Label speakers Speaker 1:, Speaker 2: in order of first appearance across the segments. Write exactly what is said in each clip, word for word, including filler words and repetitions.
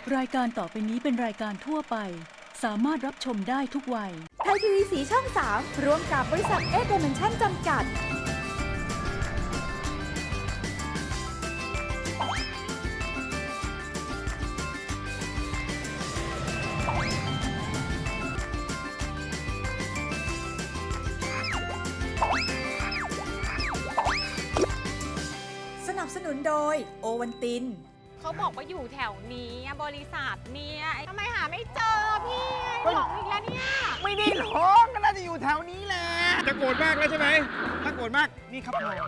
Speaker 1: รายการต่อไปนี้เป็นรายการทั่วไปสามารถรับชมได้ทุกวัย
Speaker 2: ไทยทีวีสีช่องสามร่วมกับบริษัทเอเดเมนชั่นจำกัดสนับสนุนโดยโอวันติน
Speaker 3: เขาบอกว่าอยู่แถวนี้บริษัทเนี่ยทำไมหาไม่เจอพี่หลงอีกแล้วเนี่ย
Speaker 4: ไม่ได้หลงก็น่าจะอยู่แถวนี้แหละจะโกรธมากแล้วใช่ไหมถ้าโกรธมากนี่ครับผม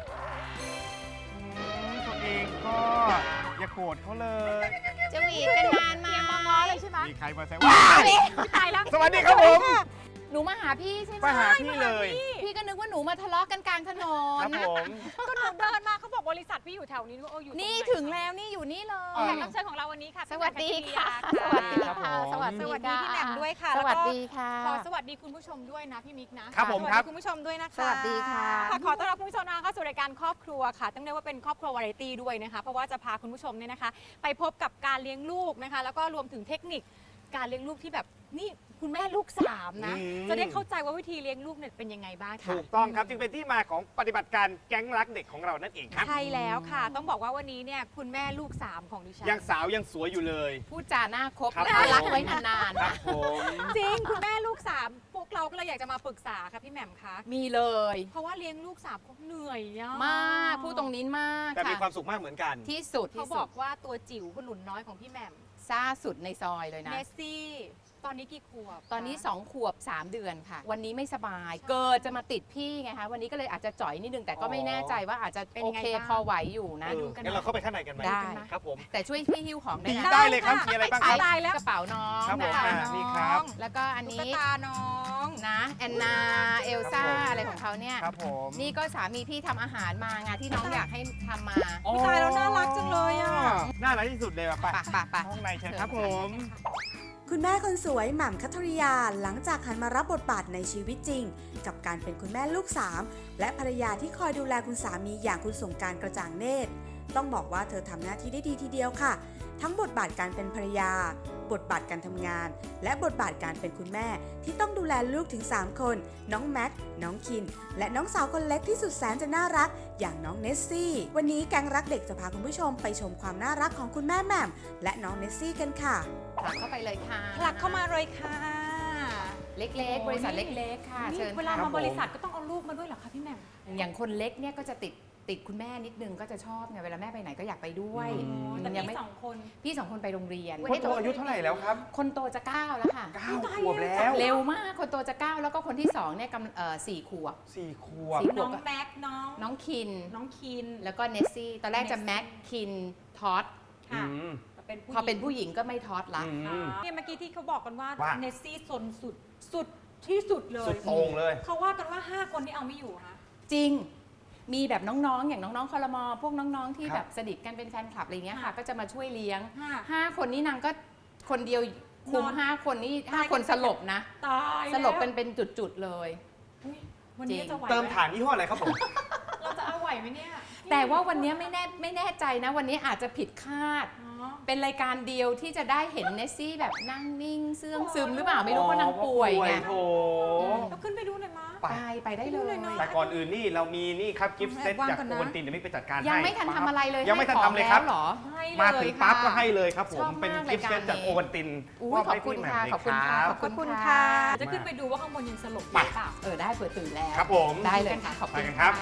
Speaker 4: ตัวเองก็อย่าโกรธเขาเลย
Speaker 3: จะหวีเป็นนานมาง้อเลยใช่ไหม
Speaker 4: มีใครมาแซวว้าว
Speaker 3: ตายแล้ว
Speaker 4: สวัสดีครับผม
Speaker 5: หนูมาหาพี่ใช่ไหม
Speaker 4: มาหาพี่เลย
Speaker 5: พี่ก็นึกว่าหนูมาทะเลาะกันกลางถนน
Speaker 4: ครับผม
Speaker 3: ก็หนูเดินมาเขาบอกบริษัทพี่อยู่แถวนี้เอออยู่
Speaker 5: นี่ถึงแล้วนี่อยู่นี่เลย
Speaker 3: แขกรับเชิญของเราวันนี้ค่ะ
Speaker 5: สวัสดีค่ะ
Speaker 3: สวัสดี
Speaker 5: ค่ะสวัสดี
Speaker 3: พี่แหม่มด้วยค่ะ
Speaker 5: สวัสดีค่ะ
Speaker 3: ขอสวัสดีคุณผู้ชมด้วยนะพี่มิก
Speaker 4: นะครับผมครับ
Speaker 3: คุณผู้ชมด้วยนะคะ
Speaker 5: สวัสดีค่ะ
Speaker 3: ขอต้อนรับคุณผู้ชมนะคะเข้าสู่รายการครอบครัวค่ะต้องเรียกว่าเป็นครอบครัววาไรตี้ด้วยนะคะเพราะว่าจะพาคุณผู้ชมเนี่ยนะคะไปพบกับการเลี้ยงลูกนะคะแล้วก็รวมถึงเทคนิคการเลี้ยงลูกที่แบบนี่คุณแม่ลูกสามนะจะได้เข้าใจว่าวิธีเลี้ยงลูกเนี่ยเป็นยังไงบ้างค่ะ
Speaker 4: ถูกต้องครับจึงเป็นที่มาของปฏิบัติการแก๊งรักเด็กของเรานั่นเองครับ
Speaker 3: ใช่แล้วค่ะต้องบอกว่าวันนี้เนี่ยคุณแม่ลูกสามของดิฉัน
Speaker 4: ยังสาวยังสวยอยู่เลย
Speaker 5: พูดจาหน้าคบน่ารักไว้นานๆนะ
Speaker 3: จริงคุณแม่ลูกสามพวกเราก็เลยอยากจะมาปรึกษาค่ะพี่แหม่มคะ
Speaker 5: มีเลย
Speaker 3: เพราะว่าเลี้ยงลูกสามเขาเหนื่อย
Speaker 5: มากพูดตรงนี้มาก
Speaker 4: แต่มีความสุขมากเหมือนกัน
Speaker 5: ที่สุด
Speaker 3: เขาบอกว่าตัวจิ๋วคุณหลุนน้อยของพี่แหม่ม
Speaker 5: ซ่าสุดในซอยเลยนะ
Speaker 3: เนสซี่ตอนนี้กี่ขวบ
Speaker 5: ตอนนี้สองขวบสามเดือนค่ะวันนี้ไม่สบายเกิดจะมาติดพี่ไงคะวันนี้ก็เลยอาจจะจ่อยนิดนึงแต่ก็ไม่แน่ใจว่าอาจจะโอเคพอไหวอยู่นะ
Speaker 4: งั้นเราเข้าไปข้างในกันไหม
Speaker 5: ได้
Speaker 4: ครับผม
Speaker 5: แต่ช่วยพี่หิ้วของได้
Speaker 4: ได้เลยครับมีอะไรบ้างครับ
Speaker 5: กระเป๋าน้อง
Speaker 4: ครับผมนี่ครับ
Speaker 5: แล้วก็อันนี้
Speaker 3: ตุ๊กตาน้อง
Speaker 5: นะแอนนาเอลซ่าอะไรของเขาเนี่ย
Speaker 4: ครับผม
Speaker 5: นี่ก็สามีพี่ทำอาหารมางานที่น้องอยากให้ทำมา
Speaker 3: ตายแล้วน่ารักจังเลยอ่ะ
Speaker 4: น่ารักที่สุดเลยป่ะ
Speaker 5: ป่ะป่ะ
Speaker 4: ห้องในเชิญครับผม
Speaker 2: คุณแม่คนสวยหม่ำคัทริยาหลังจากหันมารับบทบาทในชีวิตจริงกับการเป็นคุณแม่ลูกสามและภรรยาที่คอยดูแลคุณสามีอย่างคุณสงกรานต์กระจ่างเนตรต้องบอกว่าเธอทำหน้าที่ได้ดีทีเดียวค่ะทั้งบทบาทการเป็นภรรยาบทบาทการทำงานและบทบาทการเป็นคุณแม่ที่ต้องดูแลลูกถึงสามคนน้องแม็กน้องคินและน้องสาวคนเล็กที่สุดแสนจะน่ารักอย่างน้องเนสซี่วันนี้แก๊งรักเด็กจะพาคุณผู้ชมไปชมความน่ารักของคุณแม่แหม่มและน้องเนสซี่กันค่ะ
Speaker 5: ผลักเข้าไปเลยค่ะ
Speaker 3: ผลักเข้ามาเลยค่ะ
Speaker 5: เล็กๆบริษัทเล็กๆค่ะเชิญ
Speaker 3: เวลามาบริษัทก็ต้องเอาลูกมาด้วยเหรอคะพี่แหม่ม
Speaker 5: อย่างคนเล็กเนี่ยก็จะติดติดคุณแม่นิดนึงก็จะชอบไงเวลาแม่ไปไหนก็อยากไปด้วย
Speaker 3: แต่พี่สองคน
Speaker 5: พี่สองคนไปโรงเรียน
Speaker 4: คนโตอายุเท่าไหร่แล้วครับ
Speaker 5: คนโตจะเก้าแล้วค่ะ
Speaker 4: เก้าขวบแล้ว
Speaker 5: เร็วมากคนโตจะเก้าแล้วก็คนที่สองเนี่ยกำเอ่อสี่ขวบ
Speaker 4: สี่ขวบ
Speaker 3: น้องแม็กน้อง
Speaker 5: น้องคิน
Speaker 3: น้องคิน
Speaker 5: แล้วก็เนสซี่ตอนแรกจะแม็กคินทอด
Speaker 3: ค่ะ
Speaker 5: พอเป็นผู้หญิงก็ไม่ทอดละ
Speaker 3: เนี่ยเมื่อกี้ที่เขาบอกกันว่าเนสซี่ซนสุดสุดที่สุดเลย
Speaker 4: สุดโต่งเลย
Speaker 3: เขาว่ากันว่าห้าคนที่เอาไม่อยู่คะ
Speaker 5: จริงมีแบบน้องๆอย่างน้องๆคอรมอพวกน้องๆที่แบบสนิทกันเป็นแฟนคลับอะไรเงี้ยค่ะก็จะมาช่วยเลี้ยงห้าคนนี้นางก็คนเดียวคุมห้าคนนี่ห้าคนสลบนะสลบเป็นเป็นจุดๆเลย
Speaker 3: วันนี้จะไหว
Speaker 4: เติมฐานยี่ห้ออะไรครับผม
Speaker 3: เราจะเอาไหวไหมเนี่ย
Speaker 5: แต่ว่าวันนี้ไม่แน่ไม่แน่ใจนะวันนี้อาจจะผิดคาดเป็นรายการเดียวที่จะได้เห็นเนสซี่แบบนั่งนิ่งเสื่องซึมหรือเปล่าไม่รู้ว่านางป่วยไง
Speaker 3: เราขึ้นไปดูหน่อยมั้ย
Speaker 5: ไปไปได้เลย
Speaker 4: แต่ก่อนอื่นนี่เรามีนี่ครับกิฟต์เซตจากโอวัลตินเดี๋ยวไม่ไปจัดการให้
Speaker 5: ยังไม่ทันทำอะไรเลย
Speaker 4: ยังไม่ทันทำเลยครับมาถึงปั๊บก็ให้เลยครับผม
Speaker 5: เป็
Speaker 4: นกิฟต์เซตจากโอวัลติน
Speaker 5: ขอบคุณค่ะขอบคุณค่ะ
Speaker 3: ขอบคุณค่ะจะขึ้นไปดูว่าข้างบนยังสลบอยู่เปล่า
Speaker 5: เออได้เปิดตื่นแล้ว
Speaker 4: ครับผม
Speaker 5: ได้เลยค่ะขอบคุณค่ะ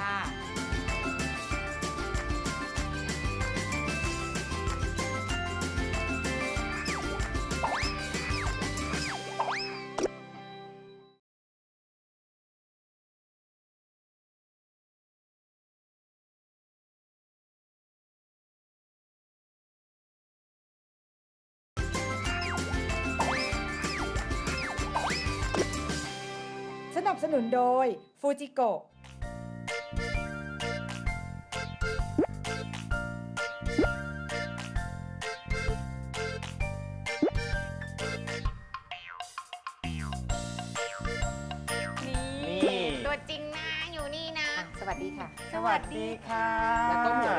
Speaker 2: สนับสนุนโดยฟูจิโกะ
Speaker 3: ตัวจริงนะอยู่นี่นะ
Speaker 5: สวัสดีค่ะ
Speaker 4: สวัสดีค่ะ
Speaker 5: แล้วก็หมูด้วยค่ะ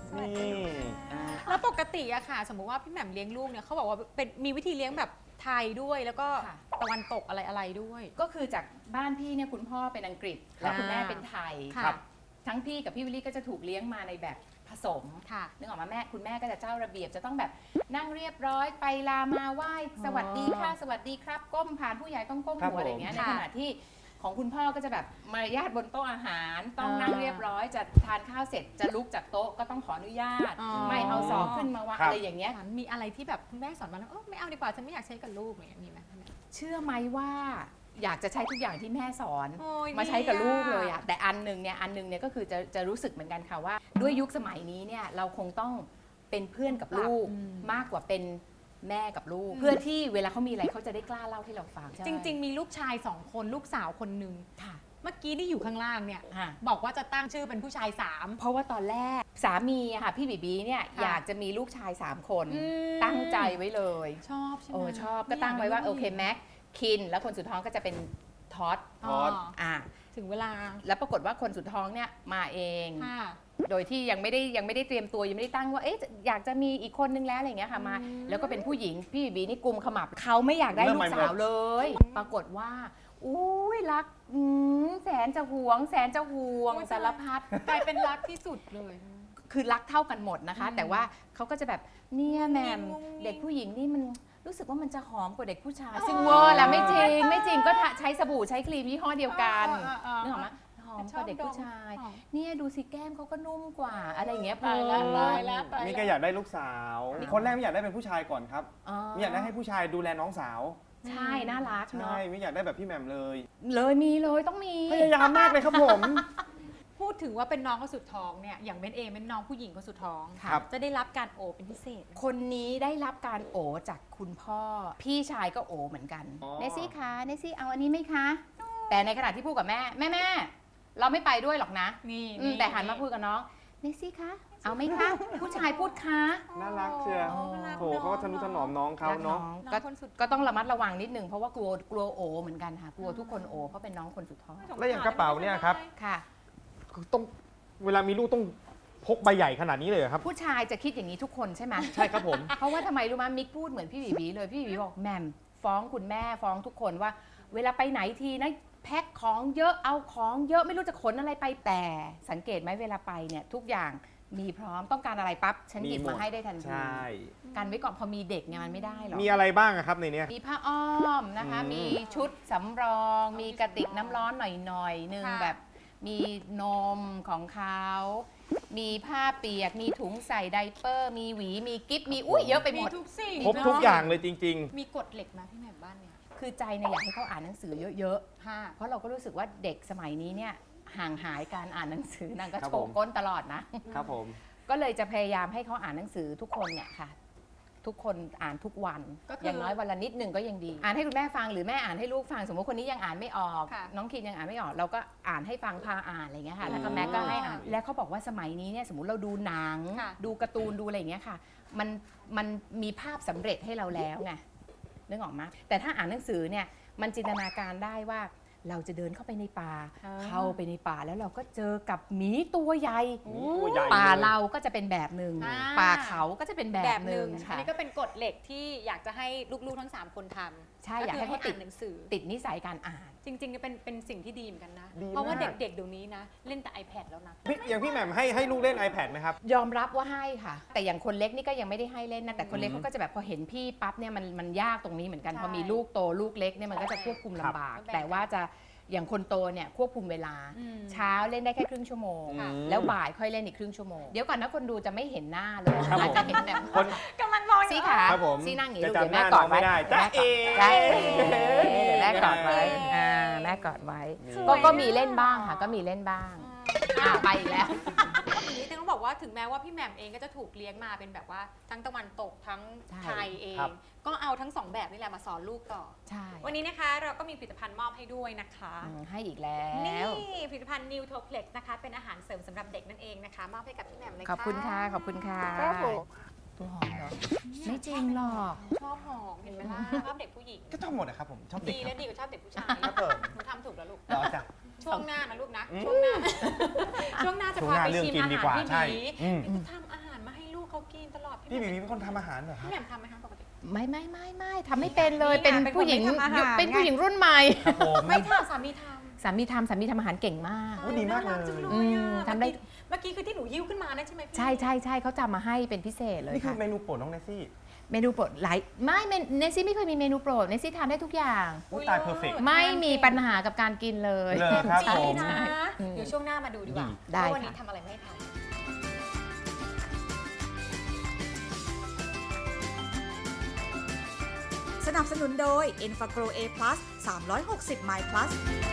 Speaker 3: สวัสดี
Speaker 4: นี่
Speaker 5: อ่า
Speaker 3: แล้วปกติอะค่ะ สมมุติว่าพี่แหม่มเลี้ยงลูกเนี่ยเขาบอกว่าเป็นมีวิธีเลี้ยงแบบไทยด้วย แล้วก็
Speaker 5: ค่ะ
Speaker 3: ตะวันตกอะไรอะไรๆด้วย
Speaker 5: ก็คือจากบ้านพี่เนี่ยคุณพ่อเป็นอังกฤษ แล้วคุณแม่เป็นไทย
Speaker 3: ค่ะ
Speaker 5: ครับทั้งพี่กับพี่วิลลี่ก็จะถูกเลี้ยงมาในแบบผสม
Speaker 3: ค่ะ
Speaker 5: นึกออกมาแม่คุณแม่ก็จะเจ้าระเบียบจะต้องแบบนั่งเรียบร้อยไปลามาไหว้สวัสดีค่ะสวัสดีครับก้มผ่านผู้ใหญ่ต้องก้ม
Speaker 4: ครับ
Speaker 5: หัวอะไรอย่างเงี้ยใน
Speaker 3: ค่ะ
Speaker 5: ขณะที่ของคุณพ่อก็จะแบบมารยาทบนโต๊ะอาหาร ต้อง
Speaker 3: อ่านั่
Speaker 5: นั่งเรียบร้อยจะทานข้าวเสร็จจะลุกจากโต๊ะก็ต้องขออนุญาต
Speaker 3: อ๋อ
Speaker 5: ไม่เอาศอกขึ้นมาวาง
Speaker 4: ครับ
Speaker 5: อะไรอย่างเงี้ย
Speaker 3: มีอะไรที่แบบคุณแม่สอนมาแล้วเออไม่เอาดีกว่าฉันไม่อยากใช้กับลูกอะไรอย่างเงี้ยมีไหม
Speaker 5: เชื่อไหมว่าอยากจะใช้ทุกอย่างที่แม่สอน
Speaker 3: โอ้ย
Speaker 5: มาใช้กับลูก
Speaker 3: ดีอะ
Speaker 5: เลยอะแต่อันหนึ่งเนี่ยอันหนึ่งเนี่ยก็คือจะจะรู้สึกเหมือนกันค่ะว่า ด้วยยุคสมัยนี้เนี่ยเราคงต้องเป็นเพื่อนกับลูก
Speaker 3: อืม
Speaker 5: มากกว่าเป็นแม่กับลูก เพื่อที่เวลาเขามีอะไรเขาจะได้กล้าเล่าให้เราฟัง
Speaker 3: จริง ๆ มีลูกชายสองคนลูกสาวคนหนึ่ง
Speaker 5: ๆค่ะ
Speaker 3: เมื่อกี้ที่อยู่ข้างล่างเนี่ย
Speaker 5: ค่ะ
Speaker 3: บอกว่าจะตั้งชื่อเป็นผู้ชายสาม
Speaker 5: เพราะว่าตอนแรกสามีอะค่ะพี่บีบีเนี่ย
Speaker 3: ค่ะ
Speaker 5: อยากจะมีลูกชายสามคน
Speaker 3: อืม
Speaker 5: ตั้งใจไว้เลย
Speaker 3: ชอบใช่ไหม
Speaker 5: โอ้ชอบก็ตั้งไว้ว่าโอเคแม็กคินแล้วคนสุดท้องก็จะเป็นท็อต
Speaker 3: อ๋อ
Speaker 5: อ่ะ
Speaker 3: ถึงเวลา
Speaker 5: แล้วปรากฏว่าคนสุดท้องเนี่ยมาเอง
Speaker 3: ค่ะ
Speaker 5: โดยที่ยังไม่ได้ยังไม่ได้เตรียมตัวยังไม่ได้ตั้งว่าเอ๊ะอยากจะมีอีกคนนึงแล้วอะไรอย่างเงี้ยค่ะมา
Speaker 3: อืม
Speaker 5: แล้วก็เป็นผู้หญิงพี่บีบีนี่กุมขมับเขาไม่อยากได้
Speaker 4: เริ่ม
Speaker 5: ลู
Speaker 4: ใหม่
Speaker 5: ก
Speaker 4: หม
Speaker 5: สา
Speaker 4: ด
Speaker 5: วเลย ปรากฏว่าอุ้ยรักอืมแสนจะหวง แสนจะห่วง
Speaker 3: โอ้ย
Speaker 5: สารพัด
Speaker 3: กลายเป็นรักที่สุดเลย
Speaker 5: คือรักเท่ากันหมดนะคะ
Speaker 3: อืม
Speaker 5: แต่ว่าเขาก็จะแบบเนี่ยแหมม
Speaker 3: งุ้งงิ้ง
Speaker 5: เด็กผู้หญิงนี่มันรู้สึกว่ามันจะหอมกว่าเด็กผู้ชาย
Speaker 3: อ๋อ
Speaker 5: ซึ่งเวอร์แล้วไม่จริง ไม่จริงก็ทะใช้สบู่ใช้ครีมยี่ห้อเดียวกัน
Speaker 3: อ่าอ่าอ่า
Speaker 5: นึกออกไหมหอมกว่าเด็กผู้ชาย
Speaker 3: ชอบดม
Speaker 5: เนี่ยดูสิแก้มเขาก็นุ่มกว่าอะไรอย่างเงี้ย
Speaker 3: ตายแล้ว
Speaker 5: เพลิน
Speaker 3: ตายแล้วตาย
Speaker 4: นี่
Speaker 3: แล้ว
Speaker 4: ก็อยากได้ลูกสาว คนแรกไม่อยากได้เป็นผู้ชายก่อนครับ
Speaker 5: อ๋อ
Speaker 4: ไม่อยากได้ให้ผู้ชายดูแลน้องสาว
Speaker 5: ใช่น่ารัก
Speaker 4: ใช่
Speaker 5: เนาะ
Speaker 4: ไม่อยากได้แบบพี่แหม่มเลย
Speaker 5: เลยมีเลยต้องมี
Speaker 4: พยายามมากเลยครับผม
Speaker 3: พูดถึงว่าเป็นน้องคนสุดท้องเนี่ยอย่างเบนเองเป็นน้องผู้หญิงคนสุดท้อง
Speaker 4: ครับ
Speaker 3: จะได้รับการโอบเป็นพิเศษ
Speaker 5: คนนี้ได้รับการโอจากคุณพ่อ พี่ชายก็โอเหมือนกัน
Speaker 4: อ๋อ
Speaker 5: เนซี่คะเนซี่เอาอันนี้ไหมคะ แต่ในขณะที่พูดกับแม่แม่แม่เราไม่ไปด้วยหรอกนะ
Speaker 3: นี่
Speaker 5: อืมแต่หันมาพูดกับน้องเนซี่คะเอาไหมคะ ผู้ชายพูดคะ
Speaker 4: น่ารักเชียว
Speaker 3: โอ้รัก
Speaker 4: โถเขาก็ทนุถนอมน้องเขาเนาะ
Speaker 5: รัก
Speaker 3: น้
Speaker 5: ก็
Speaker 3: องคนสุด
Speaker 5: ก็ต้องระมัดระวังนิดนึงเพราะว่ากลัวกลัวโอเหมือนกันค่ะกลัวทุกคนโอเพราะเป็นน้องคนสุดท้อง
Speaker 4: แล้วอย่างกระเป๋าเนี่ยครับ
Speaker 5: ค่ะ
Speaker 4: คือต้องเวลามีลูกต้องพกใบใหญ่ขนาดนี้เลยเหรอครับ
Speaker 5: ผู้ชายจะคิดอย่างนี้ทุกคนใช่ไหม
Speaker 4: ใช่ครับผม
Speaker 5: เพราะว่าทำไมรู้ไหมมิกพูดเหมือนพี่บีบีเลยพี่บีบีบอกแหม่มฟ้องคุณแม่ฟ้องทุกคนว่า เวลาไปไหนทีนะแพ็คของเยอะเอาของเยอะไม่รู้จะขนอะไรไปแต่สังเกตไหมเวลาไปเนี่ยทุกอย่างมีพร้อมต้องการอะไรปั๊บฉันหยิบ
Speaker 4: มีหมด
Speaker 5: มาให้ได้ทันที
Speaker 4: ใช่
Speaker 5: กันไว้ก่อนพอมีเด็กเนี่ยมันไม่ได้หรอก
Speaker 4: มีอะไรบ้างอะครับในเนี้ย
Speaker 5: มีผ้าอ้อมนะคะ
Speaker 4: อืม
Speaker 5: มีชุดสำรอง มีกระติกน้ำร้อนหน่อยๆหนึ่ง
Speaker 3: ค่ะ
Speaker 5: แบบมีนมของเขามีผ้าเปียกมีถุงใส่ไดเปอร์ มีหวีมีกิ๊บมีอุ้ยเยอะไปห
Speaker 3: มี
Speaker 5: มด
Speaker 3: ทุกสิ่ง
Speaker 4: ครบทุกอย่างเลยจริง
Speaker 3: มีกฎเหล็กไหมพี่แหม่มบ้านเนี่ย
Speaker 5: คือใจเนี่ยอยากให้เขาอ่านหนังสือเยอะ
Speaker 3: ค่ะ
Speaker 5: ๆ เพราะเราก็รู้สึกว่าเด็กสมัยนี้เนี่ยห่างหายการอ่านหนังสือนางก็
Speaker 4: ครับ
Speaker 5: โช
Speaker 4: ผ
Speaker 5: ว์
Speaker 4: ม
Speaker 5: ก้นตลอดนะ
Speaker 4: ๆ ครับผม
Speaker 5: ก็เลยจะพยายามให้เขาอ่านหนังสือทุกคนเนี่ยค่ะ ทุกคนอ่านทุกวัน
Speaker 3: ก็คือ
Speaker 5: อ
Speaker 3: อย่าง
Speaker 5: น้อยวันละนิดหนึ่งก็ยังดี อ่านให้คุณแม่ฟังหรือแม่อ่านให้ลูกฟังสมมติคนนี้ยังอ่านไม่ออก
Speaker 3: ค่ะ
Speaker 5: น้องคินยังอ่านไม่ออก เราก็อ่านให้ฟังพาอ่านอะไรอย่างเงี้ยค่ะ แล้วก็
Speaker 4: อืม
Speaker 5: แม่ก็ให้อ่าน แล้วเขาบอกว่าสมัยนี้เนี่ยสมมติเราดูหนัง
Speaker 3: ค่ะ
Speaker 5: ดูการ์ตูนดูอะไรอย่างเงี้ยค่ะ มันมันมีภาพสำเร็จให้เราแล้วไงนึกออกไหมแต่ถ้าอ่านหนังสือเนี่ยมันจินตนาการได้ว่าเราจะเดินเข้าไปในป่า
Speaker 3: อ่า
Speaker 5: เข้าไปในป่าแล้วเราก็เจอกับหมีตัวใหญ่
Speaker 4: มีตัวใหญ่
Speaker 5: ป่า
Speaker 4: ลย
Speaker 5: เราก็จะเป็นแบบหนึ่ง
Speaker 3: อ่า
Speaker 5: ป่าเขาก็จะเป็นแบ
Speaker 3: แบบ บ
Speaker 5: ห
Speaker 3: ห
Speaker 5: นึ่
Speaker 3: นึ่
Speaker 5: ง
Speaker 3: งอัน
Speaker 5: ค่ะ
Speaker 3: นี้ก็เป็นกฎเหล็กที่อยากจะให้ลูกๆทั้งสามคนทำ
Speaker 5: ใช่อยากให้เขาติด
Speaker 3: นหนังสือ
Speaker 5: ติดนิสัยการอ่าน
Speaker 3: จริงๆเป็นเป็นสิ่งที่ดีเหมือนกันนะ
Speaker 4: ดี
Speaker 3: เพราะว่า
Speaker 4: มา
Speaker 3: เด็
Speaker 4: ก
Speaker 3: กๆเดี๋ยวนี้นะ เล่นแต่ iPad แล้วนะ
Speaker 4: พี่อย่างพี่แหม่มให้ให้ลูกเล่น iPad ไหมครับ
Speaker 5: ยอมรับว่าให้ค่ะ แต่อย่างคนเล็กนี่ก็ยังไม่ได้ให้เล่นนะแต่คนเล็ก
Speaker 4: อืม
Speaker 5: เขาก็จะแบบพอเห็นพี่ปั๊บเนี่ยมันมันยากตรงนี้เหมือนกัน
Speaker 3: ใช่
Speaker 5: พอมีลูกโตลูกเล็กเนี่ยมันก็จะควบคุมลำบาก
Speaker 3: ครับ
Speaker 5: แต่ว่าจะอย่างคนโตเนี่ยควบคุมเวลา
Speaker 3: อืม
Speaker 5: เช้าเล่นได้แค่ครึ่งชั่วโมง
Speaker 4: อืม
Speaker 5: แล้วบ่ายค่อยเล่นอีกครึ่งชั่วโมงเดี๋ยวก่อนนะคนดูจะไม่เห็นหน้าเลย
Speaker 4: ครับผม
Speaker 5: อาจจะเห็นแบบ
Speaker 4: คน
Speaker 3: กำลังมอง
Speaker 5: ซี่ขา
Speaker 4: ครับผม
Speaker 5: ซี่นั่งอย่างนี้
Speaker 4: จะ
Speaker 5: ลูก
Speaker 4: จำ
Speaker 5: เดี๋ยวแม่
Speaker 4: หน้าก
Speaker 5: อดไว้
Speaker 4: น้องไม่ได้จ๊ะเอ๋
Speaker 5: จ๊ะเอ๋เดี๋ยวแม่กอดไว้อ่าแม่กอดไว้
Speaker 4: นี่
Speaker 5: ก็ก็มีเล่นบ้างค่ะก็มีเล่นบ้างอ่าไปอีกแล้ว
Speaker 3: ทีนี้ต้องบอกว่าถึงแม้ว่าพี่แหม่มเองก็จะถูกเลี้ยงมาเป็นแบบว่าทั้งตะวันตกทั้ง
Speaker 5: ใช่
Speaker 3: ไทยเอง
Speaker 4: ครับ
Speaker 3: ก็เอาทั้งสองแบบนี่แหละมาสอนลูกต่อ
Speaker 5: ใช่
Speaker 3: วันนี้นะคะเราก็มีผลิตภัณฑ์มอบให้ด้วยนะคะ
Speaker 5: อืมให้อีกแล้
Speaker 3: นี่
Speaker 5: ว
Speaker 3: ผลิตภัณฑ์ New t o p l e x นะคะ เป็นอาหารเสริมสำหรับเด็กนั่นเองนะคะมอบให้กับพี่แหม่มเลย
Speaker 5: ขอบคุณค่ะ ขอบคุณค่ะ
Speaker 4: ครับผม
Speaker 5: ตัวหอมเหรอ ไม่จริงหรอก
Speaker 3: ชอบหอมเห็นไหมล่ะชอบเด็กผู้หญิง
Speaker 4: ก็ชอบหมดนะครับผม ชอบเด็ก
Speaker 3: ดี
Speaker 4: ค
Speaker 3: และ
Speaker 4: รับ
Speaker 3: ดีกว่าชอบเด็กผู้ชาย
Speaker 4: ครับผม
Speaker 3: หนูทำถูกแล้วลูก
Speaker 4: ต่อจ้ะ
Speaker 3: ช่วงหน้านะลูกนะ
Speaker 4: อืม
Speaker 3: ช่วงหน้า ช่วงหน้าจะ
Speaker 4: ช่วง
Speaker 3: พา
Speaker 4: หน้า
Speaker 3: ไป
Speaker 4: เรื่อง
Speaker 3: ชิม
Speaker 4: กิน
Speaker 3: อา
Speaker 4: ดี
Speaker 3: หาร
Speaker 4: กว่า
Speaker 3: ที่
Speaker 4: ใช่
Speaker 3: ดี
Speaker 4: อืม
Speaker 3: จะทำอาห
Speaker 4: พี่บีบีเป็นคนทำอาหารเหรอครั
Speaker 3: พี่
Speaker 4: บ
Speaker 3: แหม่มทำไหมคะปกติ
Speaker 5: ไม่ไม่ไม่ไม่ทำไม่เป็นเลย
Speaker 3: นี่ไง
Speaker 5: เป็น
Speaker 3: เป็นคน
Speaker 5: ผู้หญิง
Speaker 3: ไม่ทำอาหาร
Speaker 5: เป็น
Speaker 3: ไง
Speaker 5: ผู้หญิงรุ่นใหม่
Speaker 4: ครับผม
Speaker 3: ไม่ทำสามีทำ
Speaker 5: สามีทำสามีทำอาหารเก่งมาก
Speaker 4: โอ้ดีมากเลย
Speaker 3: น่รัจังเลย
Speaker 5: อืม
Speaker 3: อะ
Speaker 5: ทำได้
Speaker 3: เมื่อกี้เมื่อกี้คือที่หนูยิ้วขึ้นมานะใช่ไหมพี่
Speaker 5: ใช่ใช่ใช่เขาจำมาให้เป็นพิเศษเลย
Speaker 4: นี่คือ
Speaker 5: ค่ะ
Speaker 4: เมนูโปรดน้องเนสซี่
Speaker 5: เมนูโปรดหลายไม่เมนเนสซี่ไม่เคยมีเมนูโปรดเนสซี่ทานได้ทุกอย่าง
Speaker 4: อุ๊ยตาย perfect
Speaker 5: ไม่มีปัญหากับการกินเลย
Speaker 4: เหรอครับ
Speaker 3: จริ
Speaker 4: ผ
Speaker 3: ง
Speaker 4: ม
Speaker 3: นะ
Speaker 5: อืม
Speaker 3: เดี๋ยวช่วงหน้ามาดูดีกว่า
Speaker 5: ได้
Speaker 3: ว่าวันนี้
Speaker 5: ค่ะ
Speaker 3: ทำอะไรไม่ให้ทำ
Speaker 2: สนับสนุนโดย e n f a g r o A+ สามร้อยหกสิบ My Plus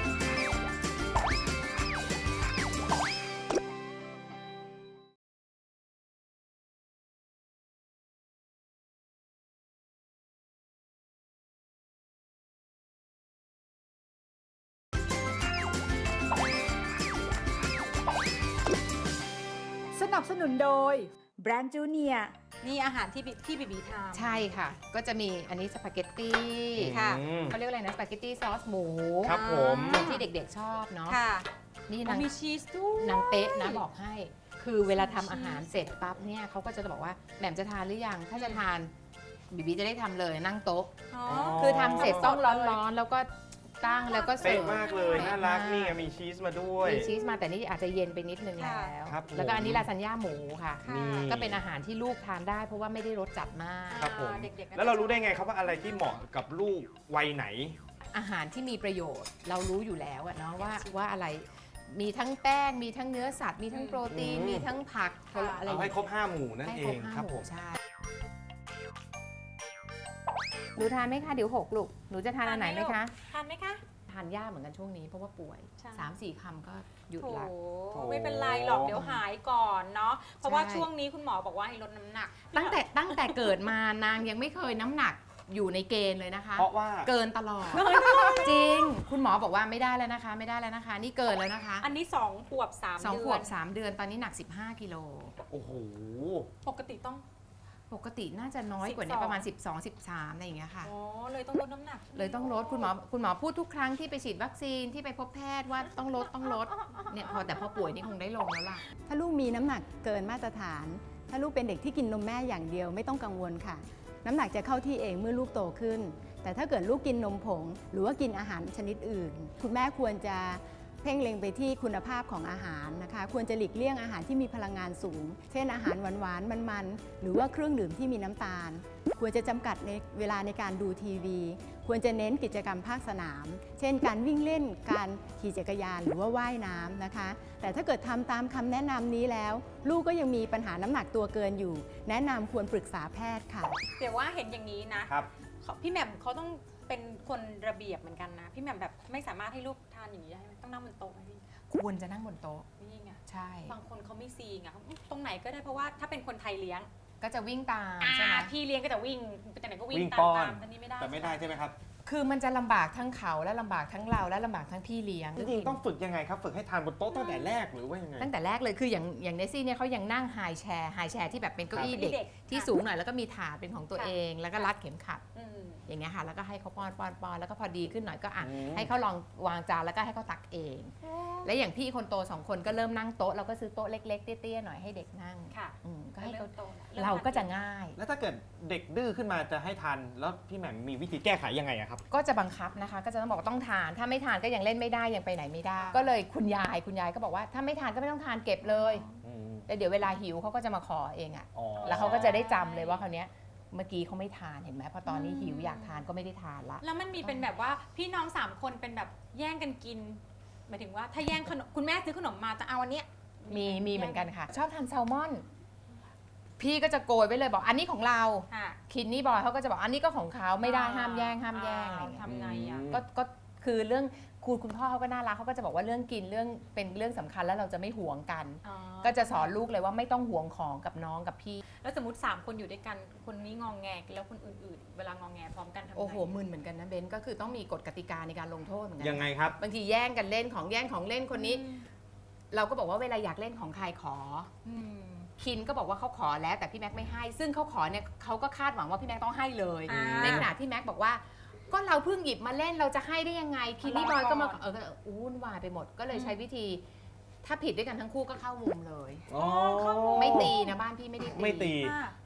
Speaker 2: สนับสนุนโดยแบรนด์จูเนีย
Speaker 3: นี่อาหารที่บิที่บีบีทำ
Speaker 5: ใช่ค่ะ ก็จะมีอันนี้สปาเกตตี้
Speaker 3: ค่ะ
Speaker 4: อืม
Speaker 5: เขาเรียกอะไรนะสปาเกตตี้ซอสหมู
Speaker 4: ครับผม
Speaker 5: ที่เด็กๆชอบเนาะ
Speaker 3: ค่ะ
Speaker 5: นี่
Speaker 3: มัน
Speaker 5: นาง
Speaker 3: มีชีสด้วย
Speaker 5: นางเป๊ะนะบอกให้ คือเวลาทำอาหารเสร็จปั๊บเนี่ยเขาก็จะบอกว่าแหม่มจะทานหรือยัง ถ้าจะทานบีบีจะได้ทำเลยนั่งโต๊ะ
Speaker 3: อ๋อ
Speaker 5: คือทำเสร็จต้องร้อนๆ แล้วก็ตั้งแล้วก็เสิ
Speaker 4: เป๊ะ
Speaker 5: ร์ฟ
Speaker 4: มากเลย น่ารักนี่ไงมีชีสมาด้วย
Speaker 5: มีชีสมาแต่นี่อาจจะเย็นไปนิดนึงแล้ว
Speaker 4: ครับผม
Speaker 5: แล้วก็อันนี้ลาซานญ่าหมูค่ะ
Speaker 3: ค่ะ
Speaker 4: นี่
Speaker 5: ก็เป็นอาหารที่ลูกทานได้เพราะว่าไม่ได้รสจัดมาก
Speaker 4: ครับผม
Speaker 3: เด็กๆก็
Speaker 4: แล้วเรารู้ได้ไงครับว่าอะไรที่เหมาะกับลูกวัยไหน
Speaker 5: อาหารที่มีประโยชน์เรารู้อยู่แล้วอะเนาะว่าว่าอะไรมีทั้งแป้งมีทั้งเนื้อสัตว์ มีทั้งโปรตีน
Speaker 4: อืม
Speaker 5: มีทั้งผักอะไร
Speaker 4: เอาให้ครบห้าหมู่นั่น
Speaker 5: ให้
Speaker 4: เอ
Speaker 5: ครบ
Speaker 4: ง
Speaker 5: ห้า
Speaker 4: ครับ
Speaker 5: ห
Speaker 4: ผ
Speaker 5: มู่
Speaker 4: ม
Speaker 5: ใช่หนูทานไหมคะเดี๋ยวหกลูกหนูจะทานอันไหนไหมคะ
Speaker 3: ทานไหมคะ
Speaker 5: ทานยากเหมือนกันช่วงนี้เพราะว่าป่วย
Speaker 3: ใช่
Speaker 5: สามสี่คำก็หยุด
Speaker 3: โถ
Speaker 5: ละ
Speaker 3: ไม่เป็นไรหรอกเดี๋ยวหายก่อนเนาะ เพราะว่า
Speaker 5: ใช่
Speaker 3: ช่วงนี้คุณหมอบอกว่าให้ลดน้ำหนัก
Speaker 5: ตั้งแต่ตั้งแต่เกิดมานางยังไม่เคยน้ำหนักอยู่ในเกณฑ์เลยนะคะ
Speaker 4: เพราะว่า
Speaker 5: เกินตลอด จริง คุณหมอบอกว่าไม่ได้แล้วนะคะ ไม่ได้แล้วนะคะ นี่เกินแล้วนะคะ
Speaker 3: อันนี้สองขวบสาม
Speaker 5: สอง
Speaker 3: เดื
Speaker 5: ขวบสามเดือนตอนนี้หนักสิบห้ากิโล
Speaker 4: โอ้โห
Speaker 3: ปกติต้อง
Speaker 5: ปกติน่าจะน้อยกว่านี้
Speaker 3: สิบสอง
Speaker 5: ประมาณ สิบสอง สิบสาม อะไรอย่างเงี้ยค่ะ
Speaker 3: อ๋อเลยต้องลดน้ำหนัก
Speaker 5: เลยต้องลดคุณหมอคุณหมอพูดทุกครั้งที่ไปฉีดวัคซีนที่ไปพบแพทย์ว่าต้องลดต้องลดเนี่ยพอแต่พอป่วยนี่คงได้ลงแล้วล่ะ
Speaker 6: ถ้าลูกมีน้ำหนักเกินมาตรฐาน ถ้าลูกเป็นเด็กที่กินนมแม่อย่างเดียวไม่ต้องกังวลค่ะ น้ำหนักจะเข้าที่เองเมื่อลูกโตขึ้น แต่ถ้าเกิดลูกกินนมผง หรือว่ากินอาหารชนิดอื่น คุณแม่ควรจะเพ่งเล็งไปที่คุณภาพของอาหารนะคะ ควรจะหลีกเลี่ยงอาหารที่มีพลังงานสูง เช่นอาหารหวานๆมันๆหรือว่าเครื่องดื่มที่มีน้ำตาล ควรจะจำกัดในเวลาในการดูทีวี ควรจะเน้นกิจกรรมภาคสนาม เช่น การวิ่งเล่น การขี่จักรยานหรือว่าว่ายน้ำนะคะ แต่ถ้าเกิดทำตามคำแนะนำนี้แล้ว ลูกก็ยังมีปัญหาน้ำหนักตัวเกินอยู่ แนะนำควรปรึกษาแพทย์ค่ะ
Speaker 3: เดี๋ยวว่าเห็นอย่างนี้นะครับ เขาพี่แหม่มเขาต้องเป็นคนระเบียบเหมือนกันนะ พี่แหม่มแบบไม่สามารถให้ลูกทานอย่างนี้ได้ไหมต้องนั่งบนโต๊ะไหมพี่
Speaker 5: ควรจะนั่งบนโต๊ะ
Speaker 3: นี่ไง
Speaker 5: ใช่
Speaker 3: บางคนเขาไม่ซีไงเขาตรงไหนก็ได้เพราะว่าถ้าเป็นคนไทยเลี้ยง
Speaker 5: ก็จะวิ่งตาม
Speaker 3: อ่า
Speaker 5: ใช่ไหม
Speaker 3: พี่เลี้ยงก็จะวิ่งไปแต่ไหนก็วิ่ง
Speaker 4: วิ่ง
Speaker 3: ตาม
Speaker 4: ป้อน
Speaker 3: ตามแต่นี่ไม่ได้
Speaker 4: แต่ไม่ได้ใช่ไหมครับ
Speaker 5: คือมันจะลำบากทั้งเขาและลำบากทั้งเราและลำบากทั้งพี่เลี้ยง
Speaker 4: จริงๆต้องฝึกยังไงครับ ฝึกให้ทานบนโต๊ะตั้งแต่แรกหรือว่ายังไง
Speaker 5: ตั้งแต่แรกเลยคืออย่างอย่างเนสซี่เนี่ยเขายังนั่งไฮแชร์ไฮแชร์ที่แบบเป็นเก้าอี้
Speaker 3: ครับ
Speaker 5: เด็ก
Speaker 3: เด็ก
Speaker 5: ที่
Speaker 3: ค่ะ
Speaker 5: สูงหน่อยแล้วก็มีถาดเป็นของตัว
Speaker 3: ค่ะ
Speaker 5: เอง แล้วก็รัดเข็มขัด
Speaker 3: อืม
Speaker 5: อย่างเงี้ยค่ะแล้วก็ให้เขาป้อนป้อนป้อนแล้วก็พอดีขึ้นหน่อยก็อ่ะ
Speaker 4: อืม
Speaker 5: ให้เขาลองวางจานแล้วก็ให้เขาตักเอง และอย่างพี่คนโตสองคนก็เริ่มนั่งโต๊ะเราก็ซื้อโต๊ะเล็กๆเตี้ยๆหน่อยให้เด็กนั่ง
Speaker 3: ค่ะ
Speaker 5: อืมก็ให้เขา
Speaker 3: ริ่มโตแล้ว
Speaker 5: เราก็จะง่าย
Speaker 4: แล้วถ้าเกิดเด็กดื้อขึ้นมาจะให้ทานแล้วพี่แหม่มมีวิธีแก้ไขยังไงอะครับ
Speaker 5: ก็จะบังคับนะคะ ก็จะต้องบอกว่าต้องทาน ถ้าไม่ทานก็ยังเล่นไม่ได้ยังไปไหนไม่ได้ ก็เลยคุณยายคุณยายก็บอกว่าถ้าไม่ทานก็ไม่ต้องทานเก็บเลย
Speaker 4: อืม
Speaker 5: แล้วเดี๋ยวเวลาหิวเขาก็จะมาขอเองอะ
Speaker 4: อ๋อ
Speaker 5: แล้วเขาก็จะได้จำเลยว่าคราวเนี้ยเมื่อกี้เขาไม่ทานเห็นไหมพอตอนนี้หิวอยากทานก็ไม่ได้ทานละ
Speaker 3: แล้วมันมีเป็นแบบว่าพี่น้องสามคนเป็นแบบแย่งกันกินหมายถึงว่าถ้าแย่งขนมคุณแม่ซื้อขนมมาจะเอาอันเนี้ย
Speaker 5: มีมีเหมือนกันค่ะ ชอบทานแซลมอน พี่ก็จะโกยไว้เลยบอกอันนี้ของเรา
Speaker 3: ค่ะ
Speaker 5: คินนี่บอยเขาก็จะบอกอันนี้ก็ของเขาไม่ได้ห้ามแย่งห้ามแย่งอะไรอย่างเงี้ย
Speaker 3: ทำไงอ่ะ
Speaker 5: ก็ก็คือเรื่องคุณคุณพ่อเขาก็น่ารักเขาก็จะบอกว่าเรื่องกินเรื่องเป็นเรื่องสำคัญแล้วเราจะไม่หวงกัน
Speaker 3: อ๋อ
Speaker 5: ก็จะสอนลูกเลยว่าไม่ต้องหวงของกับน้องกับพี่
Speaker 3: แล้วสมมติสามคนอยู่ด้วยกันคนนี้งองแงแล้วคนอื่นๆ เวลางองแงพร้อมกันทำไง
Speaker 5: โอ้โหมึนเหมือนกันนะเบนก็คือต้องมีกฎกติกาในการลงโทษเหมือนกั
Speaker 4: ยังไงครับ
Speaker 5: บางทีแย่งกันเล่นของแย่งของเล่นคนนี้ เราก็บอกว่าเวลาอยากเล่นของใครขอ
Speaker 3: อืม
Speaker 5: คินก็บอกว่าเขาขอแล้วแต่พี่แม็กไม่ให้ ซึ่งเขาขอเนี่ยเขาก็คาดหวังว่าพี่แม็กต้องให้เลย
Speaker 3: อ่า
Speaker 5: ในขณะที่แม็กบอกว่า ก็เราเพิ่งหยิบมาเล่นเราจะให้ได้ยังไงคินนี่บอยก็มาเออก็วุ่นวายไปหมดก็เลยใช้วิธี ถ้าผิดด้วยกันทั้งคู่ก็เข้ามุมเลย
Speaker 4: อ๋อ
Speaker 5: ไม่ตีนะบ้านพี่ไม่ได้ตี
Speaker 4: ไม่ตี
Speaker 3: ค่ะ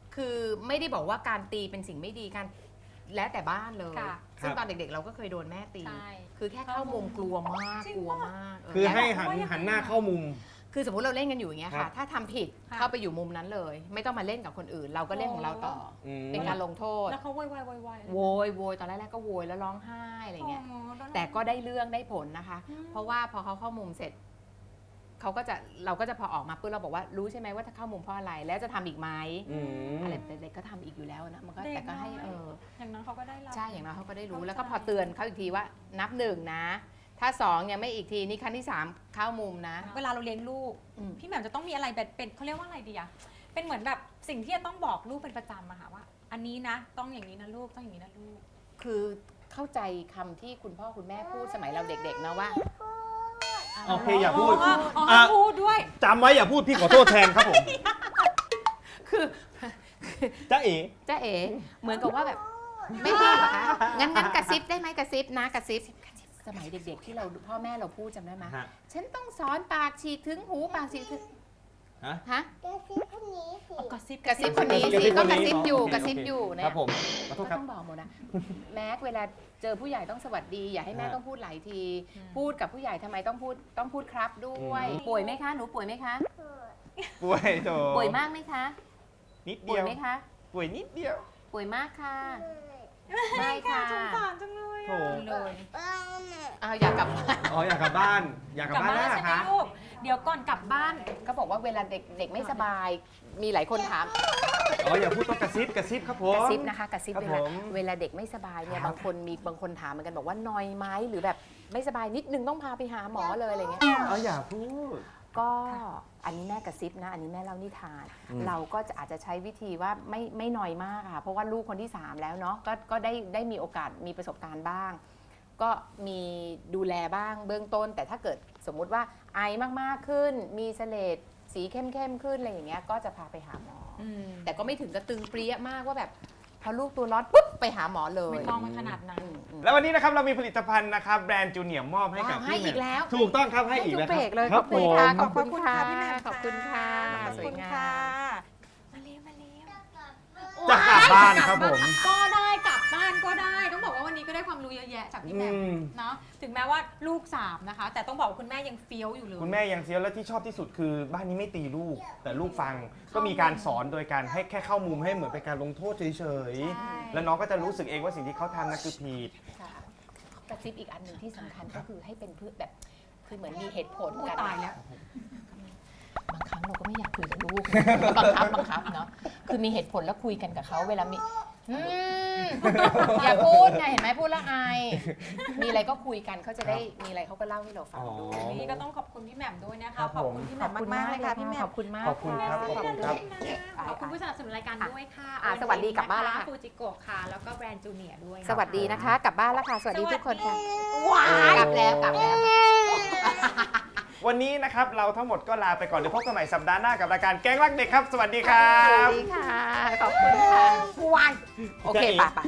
Speaker 5: คือไม่ได้บอกว่าการตีเป็นสิ่งไม่ดีการแล้วแต่บ้านเลย
Speaker 3: ค่ะ
Speaker 5: ซึ่ง
Speaker 4: ครับ
Speaker 5: ตอนเด็กๆ เราก็เคยโดนแม่ตี
Speaker 3: ใช่
Speaker 5: คือแค่เข้ามุมกลัวมาก
Speaker 3: จริง
Speaker 5: กลัว
Speaker 3: ปะ
Speaker 5: มากเ
Speaker 4: คือให้
Speaker 5: แล้ว
Speaker 4: หันหันหน้าเข้ามุม
Speaker 5: คือสมมติเราเล่นกันอยู่อย่างเงี้ย
Speaker 4: ครั
Speaker 5: ค่ะ
Speaker 4: บ
Speaker 5: ถ้าทำผิด
Speaker 3: ค่ะ
Speaker 5: เข้าไปอยู่มุมนั้นเลย ไม่ต้องมาเล่นกับคนอื่น เราก็เล่นของเราต่ออ
Speaker 4: อืม
Speaker 5: เป็นการลงโทษ
Speaker 3: แล้วเขาโวยวายโวยวาย
Speaker 5: โวย โวย ตอนแรกๆก็โวยแล้วร้องไห้อะไรเงี้ย
Speaker 3: อ๋อล้ว
Speaker 5: แต่ก็ได้เรื่องได้ผลนะคะ
Speaker 3: อืม
Speaker 5: เพราะว่าพอเขาเข้ามุมเสร็จ เขาก็จะเราก็จะพอออกมาปุ๊บเราบอกว่ารู้ใช่ไหมว่าถ้าเข้ามุมเพราะอะไร แล้วจะทำอีกไหม
Speaker 4: อืม
Speaker 5: อะไรแต่เด็กก็ทำอีกอยู่แล้วนะมันก็แต่ก็ให้เออ
Speaker 3: อย่างนั้นเขาก็ได้รับ
Speaker 5: ใช่อย่างน้อยเขาก็ได้รู้
Speaker 3: เข้าใจ
Speaker 5: แล้วก็พอเตือนเขาอีกทีว่านับหนึ่งนะ ถ้าสองยังไม่อีกทีนี่ครั้งที่สามเข้ามุมนะ
Speaker 3: เวลาเราเลี้ยงลูก
Speaker 5: อืม
Speaker 3: พี่แหม่มจะต้องมีอะไรแบบเป็นเขาเรียกว่าอะไรดีอะเป็นเหมือนแบบสิ่งที่จะต้องบอกลูกเป็นประจำอะค่ะว่า อันนี้นะ ต้องอย่างนี้นะลูกต้องอย่างนี้นะลูก
Speaker 5: คือเข้าใจคำที่คุณพ่อคุณแม่พูดสมัยเราเด็กๆนะว่า
Speaker 4: โอเคอย่าพูด
Speaker 3: อ๋ออ๋อ
Speaker 4: อ่ะ
Speaker 3: พูดด้วย
Speaker 4: จำไว้อย่าพูดพี่ขอโทษแทนครับผม
Speaker 5: คือ
Speaker 4: จ้าเอ๋
Speaker 5: จ้าเอ๋เหมือนกับว่าแบบ ไม่พูดเหรอคะงั้นงั้นกระซิบได้ไหมกระซิบนะกระซิบสมัยเด็กๆ ที่เราพ่อแม่เราพูดจำได้ไหม
Speaker 4: ฮะ
Speaker 5: ฉันต้องสอนปากฉีกถึงหูปากฉีกถึง
Speaker 4: ฮะ
Speaker 5: ฮะ
Speaker 7: กระซิบคนนี้สิ
Speaker 3: กระซิบ
Speaker 5: กระซิบคนนี้
Speaker 4: กระ
Speaker 5: สิ
Speaker 4: ซิบ
Speaker 5: ก็
Speaker 4: คน
Speaker 5: ก
Speaker 4: นี้
Speaker 5: ระซิบอยู่
Speaker 4: โอเค
Speaker 5: กระซิบ
Speaker 4: โอเค
Speaker 5: อยู่
Speaker 4: ค
Speaker 5: เนี่
Speaker 4: รั
Speaker 5: ย
Speaker 4: บผมขอโท
Speaker 5: ก็
Speaker 4: ษครับ
Speaker 5: ต้องบอกหมดนะ แม็กเวลาเจอผู้ใหญ่ต้องสวัสดี อย่าให้แม่
Speaker 4: ฮะ
Speaker 5: ต้องพูดหลายที พูดกับผู้ใหญ่ทำไมต้องพูดต้องพูดครับด้วย
Speaker 4: อืม
Speaker 5: ป่วยไหมคะหนูป่วยไหมคะ
Speaker 4: ป่วยโถ
Speaker 5: ป่วยมากไหมคะ
Speaker 4: นิด
Speaker 5: ป่
Speaker 4: เดี
Speaker 5: วย
Speaker 4: ยว
Speaker 5: ไหมคะ
Speaker 4: ป่วยนิดเดียว
Speaker 5: ป่วยมากค่ะไม่ค่ะ
Speaker 3: สงสารจังเลย
Speaker 4: โถ
Speaker 3: อะเลย
Speaker 7: บ้านน่ะ
Speaker 5: เอาอยากกลับบ้าน
Speaker 4: อ๋ออยากกลับบ้าน อยากกลับบ้านแล้วเหร
Speaker 3: ใช่
Speaker 4: อ
Speaker 3: ไหม
Speaker 4: คะ
Speaker 3: ลูกเดี๋ยวก่อนกลับบ้าน
Speaker 5: ก็บอกว่าเวลาเด็กเด็กไม่สบาย มีหลายคนถาม
Speaker 4: อ๋ออย่าพูดต้องกระซิบกระซิบครับผม
Speaker 5: กระซิบนะคะกระซิบ
Speaker 4: ครับ
Speaker 5: เวลา
Speaker 4: ผม
Speaker 5: เวลาเด็กไม่สบายเนี่ย
Speaker 4: ครับ
Speaker 5: บางคนมีบางคนถามเหมือนกันบอกว่านอยไหมหรือแบบไม่สบายนิดนึงต้องพาไปหาหมอเลยอะไรเงี้ย
Speaker 4: อ๋ออย่าพูด
Speaker 5: ก็อันนี้แม่กระซิบนะ อันนี้แม่เล่านิทาน
Speaker 4: อืม
Speaker 5: เราก็จะอาจจะใช้วิธีว่าไม่ไม่น้อยมากค่ะ เพราะว่าลูกคนที่สามแล้วเนาะก็ก็ได้ได้มีโอกาสมีประสบการณ์บ้าง ก็มีดูแลบ้างเบื้องต้น แต่ถ้าเกิดสมมุติว่าไอมากๆขึ้น มีเสลดสีเข้มๆขึ้นอะไรอย่างเงี้ยก็จะพาไปหาหมออแต่ก็ไม่ถึงกระตึงเปรี้ยมากว่าแบบพอลูกตัวร้อนปุ๊บไปหาหมอเลย
Speaker 3: ไม่ต้องมาขนาดนั้น
Speaker 5: อืมอืม
Speaker 4: แล้ววันนี้นะครับเรามีผลิตภัณฑ์นะครับแบรนด์จูเนียร์มอบให้กับ
Speaker 5: ว้าวให้
Speaker 4: พี่
Speaker 5: อีกแล้ว
Speaker 4: ถูกต้องครับให้อีก
Speaker 5: ทุ
Speaker 4: แล้ว
Speaker 5: เบรกเลย
Speaker 4: ครับ
Speaker 5: ขอบ
Speaker 4: ผ
Speaker 5: คุณค่ะ
Speaker 4: ม
Speaker 5: ขอบคุณค่ะ
Speaker 3: พี่แหม่ม
Speaker 5: ขอบคุณค่ะ
Speaker 3: ขอบ
Speaker 5: สว
Speaker 3: คุ
Speaker 5: ย
Speaker 3: ณ
Speaker 5: งา
Speaker 3: ค่ะ
Speaker 5: ม
Speaker 3: มาเร็วมาเร็ว
Speaker 4: จะกลับบ้านครับผม
Speaker 3: ก็ได้กลับบ้านก็ได้ ต้องบอกว่าวันนี้ก็ได้ความรู้เยอะแยะจากพี่แหม่ม
Speaker 4: อืม
Speaker 3: เนาะถึงแม้ว่าลูกสามนะคะ แต่ต้องบอกว่าคุณแม่ยังเฟี้ยวอยู่เลย
Speaker 4: คุณแม่ยังเซียวและที่ชอบที่สุดคือบ้านนี้ไม่ตีลูก แต่ลูกฟังก็มีการสอนโดยการให้แค่เข้ามุมให้เหมือนเป็นการลงโทษเฉย
Speaker 3: ใช่
Speaker 4: ๆแล้วน้องก็จะรู้สึกเองว่าสิ่งที่เขาทำนั่นคือผิด
Speaker 5: ค่ะกระซิบอีกอันหนึ่งที่สำคัญก็คือให้เป็นเพื่อแบบคือเหมือนมีเหตุผล
Speaker 3: พูด
Speaker 5: กัน
Speaker 3: ตายแล้ว
Speaker 5: บางครั้งเราก็ไม่อยากคุยกับลูก บังคับบังคับเนาะคือมีเหตุผลแล้วคุยกันกับเขาเวลามีอืมอย่าพูดไงเห็นไหมพูดแล้วอายมีอะไรก็คุยกันเขาจะได้มีอะไรเขาก็เล่าให้เราฟังด้วย
Speaker 3: วันนี้ก็ต้องขอบคุณพี่แหม่มด้วยนะ
Speaker 4: ครั
Speaker 3: คะ
Speaker 4: บ
Speaker 3: ขอบ
Speaker 4: ผม
Speaker 3: คุณพี่แหม่มมากๆเลยค่ะพี่แหม่
Speaker 5: ข
Speaker 3: ม
Speaker 5: อบคุณมาก
Speaker 4: ขอบคุณครับขอบคุณครับ
Speaker 3: ขอบคุณผู้สนับสนุนรายการด้วยค่ะ
Speaker 5: อ่ะสวัสดีกลับบ้านแล้วค่ะ
Speaker 3: ฟูจิโกะค่ะ แล้วก็แบรนด์จูเนียร์ด้วย
Speaker 5: สวัสดีนะคะ กลับบ้านแล้วค่ะ สวัสดีทุกคนค่ะ
Speaker 3: ว้าก
Speaker 5: ลับแล้วกลับแล้ว
Speaker 4: วันนี้นะครับเราทั้งหมดก็ลาไปก่อนเดี๋ยวพบกันใหม่สัปดาห์หน้ากับรายการแก๊งรักเด็กครับ สวัสดีครั
Speaker 5: สวั
Speaker 4: บ
Speaker 5: สดีค่ะ ขอบคุณค่ะวายโอเคป่ะป่ะ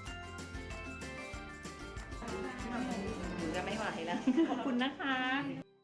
Speaker 5: จะไม่ไหวแล้ว ขอบคุณนะคะ